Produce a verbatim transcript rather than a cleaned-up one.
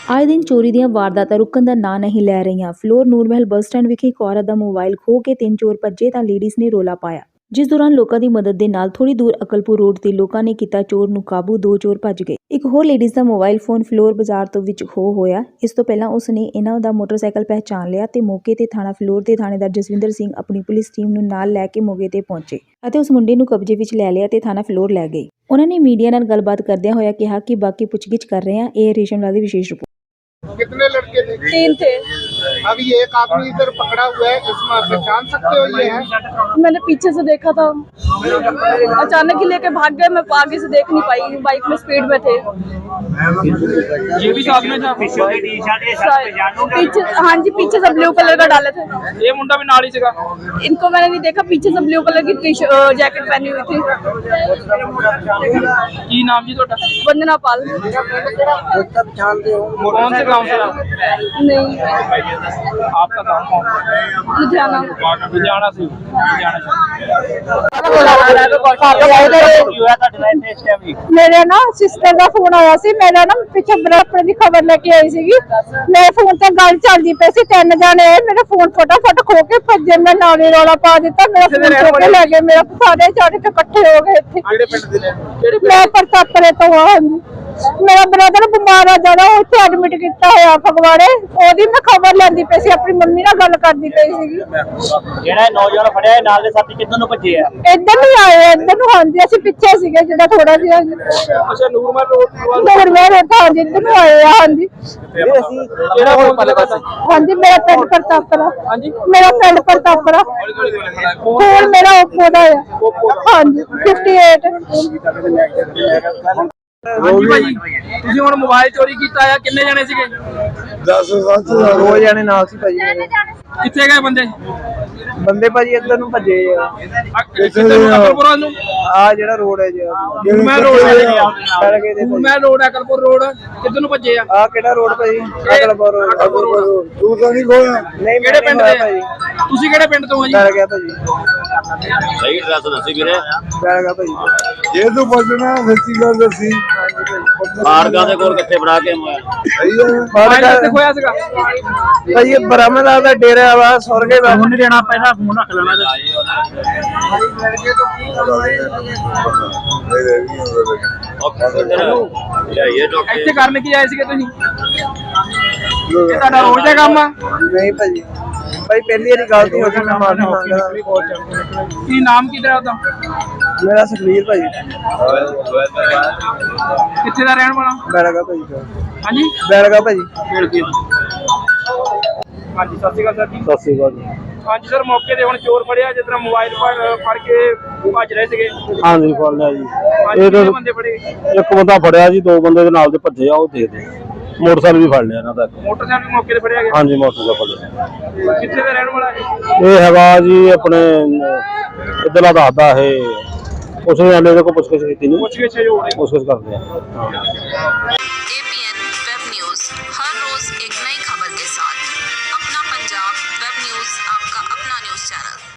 ਆਏ ਦਿਨ ਚੋਰੀ ਦੀਆਂ ਵਾਰਦਾਤਾਂ ਰੁਕਣ ਦਾ ਨਾਂ ਨਹੀਂ ਲੈ ਰਹੀਆਂ। ਫਲੋਰ ਨੂਰਮਹਿਲ ਬੱਸ ਸਟੈਂਡ ਵਿਖੇ ਇੱਕ ਔਰਤ ਦਾ ਮੋਬਾਈਲ ਖੋਹ ਕੇ ਤਿੰਨ ਚੋਰ ਭੱਜੇ ਤਾਂ ਲੇਡੀਜ਼ ਨੇ ਰੌਲਾ ਪਾਇਆ, ਜਿਸ ਦੌਰਾਨ ਲੋਕਾਂ ਦੀ ਮਦਦ ਦੇ ਨਾਲ ਥੋੜੀ ਦੂਰ ਅਕਲਪੁਰ ਰੋਡ ਤੇ ਲੋਕਾਂ ਨੇ ਕੀਤਾ ਚੋਰ ਨੂੰ ਕਾਬੂ। ਦੋ ਚੋਰ ਭੱਜ ਗਏ। ਇੱਕ ਹੋਰ ਲੇਡੀਜ਼ ਦਾ ਮੋਬਾਈਲ ਫੋਨ ਫਲੋਰ ਬਾਜ਼ਾਰ ਤੋਂ ਵਿੱਚ ਖੋਹ ਹੋਇਆ। ਇਸ ਤੋਂ ਪਹਿਲਾਂ ਉਸ ਨੇ ਇਹਨਾਂ ਦਾ ਮੋਟਰਸਾਈਕਲ ਪਹਿਚਾਣ ਲਿਆ ਤੇ ਮੌਕੇ ਤੇ ਥਾਣਾ ਫਲੋਰ ਦੇ ਥਾਣੇਦਾਰ ਜਸਵਿੰਦਰ ਸਿੰਘ ਆਪਣੀ ਪੁਲਿਸ ਟੀਮ ਨੂੰ ਨਾਲ ਲੈ ਕੇ ਮੌਕੇ ਤੇ ਪਹੁੰਚੇ ਅਤੇ ਉਸ ਮੁੰਡੇ ਨੂੰ ਕਬਜ਼ੇ ਵਿੱਚ ਲੈ ਲਿਆ ਤੇ ਥਾਣਾ ਫਲੋਰ ਲੈ ਗਏ। ਉਹਨਾਂ ਨੇ ਮੀਡੀਆ ਨਾਲ ਗੱਲਬਾਤ ਕਰਦਿਆਂ ਹੋਇਆ ਕਿਹਾ ਕਿ ਬਾਕੀ ਪੁੱਛਗਿੱਛ ਕਰ ਰਹੇ ਹਾਂ। ਇਹ ਰੇਸ਼ਮ ਲਾਲ ਦੀ ਵਿਸ਼ੇਸ਼ ਰਿਪੋर्ट। कितने लड़के थे? तीन थे। अभी एक आदमी इधर पकड़ा हुआ है, इसमें पहचान सकते हो ये है? मैंने पीछे से देखा था, अचानक ही लेके भाग गए। मैं आगे से देख नहीं पाई, बाइक में स्पीड में थे। ये भी साथ में था। पीछे हाँ जी, पीछे से ब्लू कलर का डाले थे। ये मुंडा भी नाल ही सीगा। इनको मैंने नहीं देखा, पीछे से ब्लू कलर की टी जैकेट पहनी हुई थी। की नाम जी ਤੁਹਾਡਾ? वंदना पाल। कौन से गांव से आप? नहीं, आपका गांव कौन? लुधियाना। लुधियाना से। लुधियाना से। मेरे ना सिस्टर का फोन आया सी। मेरा ना पिछे बराबर की खबर लेके आई सी। मेरे फोन से गल चलती पई सी। तीन जने मेरा फोन फटाफट खो के भजे। मैं नाले रौला पा दिता, मेरा फोन खो के ले गए। मेरा सारे चढ़ के इकट्ठे हो गए इत्थे। मैं प्रतापरे तो हाँ जी। मेरा ब्रदर बीमार है ज्यादा, उत्थे एडमिट किया होया फगवाड़े। ओदी मैं खबर लैंदी पई सी, अपनी मम्मी नाल गल करदी पई सीगी। ਜਿਹੜਾ ਨੌਜਵਾਨ ਫੜਿਆ ਹੈ ਨਾਲ ਦੇ ਸਾਥੀ ਕਿੱਧਰ ਨੂੰ ਭੱਜੇ ਆ? इधर नहीं आए, इधर नु। हाँ जी, ਅਸੀਂ ਪਿੱਛੇ ਸੀਗੇ ਜਿਹੜਾ ਥੋੜਾ ਜਿਹਾ। ਅੱਛਾ, ਨੂਰਮਹਿਲ ਰੋਡ ਹੋਰ ਮੈਂ ਰੋਟਾ ਹਾਂ ਜੀ, ਇੱਧਰ ਨੂੰ ਆਏ ਆ। ਹਾਂ ਜੀ, ਕਿਹੜਾ ਫੋਨ ਪਾਲੇ ਪਾਸੇ? हाँ जी, मेरा पिंड प्रतापरा। हाँ जी, मेरा पिंड प्रतापरा। फोन मेरा ओप्पो दा है। हाँ जी, अट्ठावन। ਹਾਂਜੀ ਭਾਜੀ, ਤੁਸੀਂ ਹੁਣ ਮੋਬਾਈਲ ਚੋਰੀ ਕੀਤਾ ਆ, ਕਿੰਨੇ ਜਣੇ ਸੀਗੇ? दस सत्त ਦੋ ਜਣੇ ਨਾਲ ਸੀ ਭਾਜੀ ਮੇਰੇ। ਕਿੱਥੇ ਗਏ ਬੰਦੇ? ਬੰਦੇ ਭਾਜੀ ਇੱਧਰ ਨੂੰ ਭੱਜੇ ਆ। ਕਿੱਥੇ ਨੂੰ? ਅਕਲਪੁਰ ਨੂੰ? ਆ ਜਿਹੜਾ ਰੋਡ ਹੈ ਜੀ, ਮੈਂ ਰੋਡ ਚੜ ਗਏ ਤੇ ਮੈਂ ਰੋਡ ਅਕਲਪੁਰ ਰੋਡ ਕਿੱਧਰ ਨੂੰ ਭੱਜੇ ਆ? ਆ ਕਿਹੜਾ ਰੋਡ ਭਾਜੀ? ਅਕਲਪੁਰ ਰੋਡ। ਅਕਲਪੁਰ ਰੋਡ। तू तो नहीं खोया? ਨਹੀਂ, ਕਿਹੜੇ ਪਿੰਡ ਦੇ ਭਾਜੀ? ਤੁਸੀਂ ਕਿਹੜੇ ਪਿੰਡ ਤੋਂ ਆ ਜੀ? ਚੜ ਗਿਆ ਭਾਜੀ, ਸਹੀ ਐਡਰੈਸ ਦੱਸੀ ਵੀਰੇ। ਚੜ ਗਿਆ ਭਾਜੀ। ये तो बचना सच्ची गल दसी। ਮਾਰਗਾ ਦੇ ਕੋਲ ਕਿੱਥੇ ਫੜਾ ਕੇ ਮੋਬਾਈਲ? सही है। ਮੋਬਾਈਲ ਕਿੱਥੇ ਖੋਇਆ ਸੀਗਾ? ਭਾਜੀ ਇਹ ਬ੍ਰਹਮਦਾਸ ਦਾ ਡੇਰਾ ਵਾ, ਸੌਰਗੇ ਦਾ। ਫੋਨ ਨਹੀਂ ਦੇਣਾ, ਪਹਿਲਾਂ ਫੋਨ ਰੱਖ ਲੈਣਾ। ਇੱਥੇ ਕਰਨ ਕੀ ਆਏ ਸੀਗੇ ਤੁਸੀਂ? ਇਹ ਤੁਹਾਡਾ ਰੋਜ਼ ਦਾ ਕੰਮ ਆ? ਨਹੀਂ ਭਾਜੀ, ਭਾਈ ਪਹਿਲੀ ਵਾਰੀ ਗਲਤੀ ਹੋ ਗਈ, ਮੈਂ ਮਾਫੀ ਮੰਗਦਾ। ਕੀ ਨਾਮ ਕੀ ਤੇਰਾ ਉਹਦਾ? ਮੇਰਾ ਸੁਖਵੀਰ ਭਾਜੀ। ਕਿੱਥੇ ਦਾ ਰਹਿਣ ਵਾਲਾ? ਬੈਲਗਾ ਭਾਜੀ। ਹਾਂਜੀ, ਬੈਲਗਾ ਭਾਜੀ। ਹਾਂਜੀ, ਸਤਿ ਸ਼੍ਰੀ ਅਕਾਲ ਸਰ ਜੀ। ਸਤਿ ਸ਼੍ਰੀ ਅਕਾਲ ਜੀ। ਹਾਂਜੀ ਸਰ, ਮੌਕੇ ਤੇ ਹੁਣ ਚੋਰ ਫੜਿਆ, ਜਿਸ ਤਰ੍ਹਾਂ ਮੋਬਾਈਲ ਫੜ ਕੇ ਭੱਜ ਰਹੇ ਸੀਗੇ। ਹਾਂਜੀ, ਫੜ ਲਿਆ ਜੀ। ਇਹ ਦੋ ਬੰਦੇ ਫੜੇ। ਇੱਕ ਬੰਦਾ ਫੜਿਆ ਜੀ, ਦੋ ਬੰਦੇ ਦੇ ਨਾਲ ਦੇ ਭੱਜੇ ਆ, ਉਹ ਦੇਖਦੇ। ਮੋਟਰਸਾਈਕਲ ਵੀ ਫੜ ਲਿਆ ਇਹਨਾਂ ਦਾ। ਮੋਟਰਸਾਈਕਲ ਮੌਕੇ ਤੇ ਫੜਿਆ ਗਿਆ? ਹਾਂਜੀ, ਮੋਟਰਸਾਈਕਲ ਫੜ ਲਿਆ। ਕਿੱਥੇ ਦਾ ਰਹਿਣ ਵਾਲਾ ਹੈ? ਇਹ ਹੈਗਾ ਜੀ ਆਪਣੇ ਇੱਧਰਲਾ ਦੱਸਦਾ ਇਹ। ਉਸ ਨੇ ਆਲੇ ਦੇ ਕੋਲ ਪੁੱਛਗਿੱਛ ਕੀਤੀ ਨਹੀਂ, ਪੁੱਛ ਗਿੱਛ ਹੋ ਰਹੀ। ਪੁੱਛਗਿੱਛ ਕਰਦੇ ਆ। ਹਾਂ।